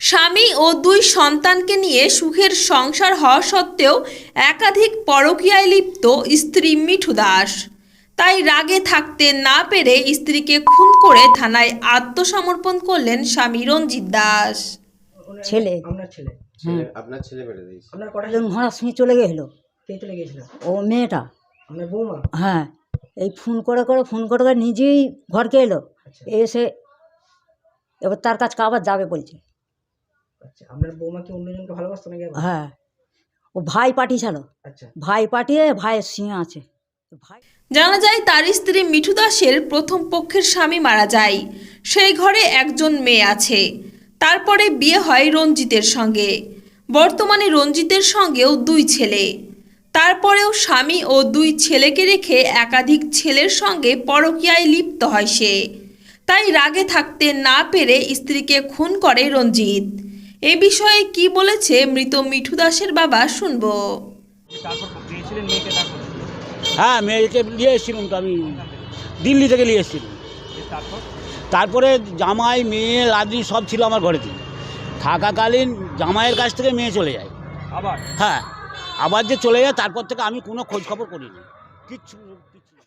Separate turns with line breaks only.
স্বামী ও দুই সন্তানকে নিয়ে সুখের সংসার হওয়া সত্ত্বেও একাধিক পরকীয়ায় লিপ্ত স্ত্রী মিঠু দাস। তাই রাগে থাকতে না পেরে স্ত্রীকে খুন করে থানায় আত্মসমর্পণ করলেন স্বামী রঞ্জিত দাস।
ছেলে
আপনার ছেলে
আপনার ছেলে মেরে দিয়েছে।
আপনার কটা
ঘোড়ার সঙ্গে চলে গেছিল
কে চলে গিয়েছিল?
ও মেয়েটা।
আপনার বৌমা?
হ্যাঁ, এই ফোন করে নিজেই ঘরকে এলো।
আচ্ছা
এসে এবার তার কাছে আবার যাবে বলছে।
আচ্ছা, আপনার বৌমা কি অন্যজনকে ভালোবাসতো নাকি আবার?
হ্যাঁ, ও ভাই পাঠিয়েছিল।
আচ্ছা
ভাই পাঠিয়ে ভাইয়ের সিংহ আছে ভাই।
জানা যায় তার স্ত্রী মিঠু দাসের প্রথম পক্ষের স্বামী মারা যায়। সেই ঘরে একজন মেয়ে আছে। তারপরে বিয়ে হয় রঞ্জিতের সঙ্গে। বর্তমানে রঞ্জিতের সঙ্গেও দুই ছেলে। তারপরেও স্বামী ও দুই ছেলেকে রেখে একাধিক ছেলের সঙ্গে পরকীয়ায় লিপ্ত হয় সে। তাই রাগে থাকতে না পেরে স্ত্রীকে খুন করে রঞ্জিত। এ বিষয়ে কি বলেছে মৃত মিঠু দাসের বাবা শুনবো।
হ্যাঁ, মেয়েকে নিয়ে এসেছিলাম তো আমি, দিল্লি থেকে নিয়ে এসেছিলাম। তারপরে জামাই মেয়ে লাদি সব ছিল আমার ঘরেতে। থাকাকালীন জামাইয়ের কাছ থেকে মেয়ে চলে যায় আবার। হ্যাঁ, আবার যে চলে যায় তারপর থেকে আমি কোনো খোঁজ খবর করিনি, কিচ্ছু।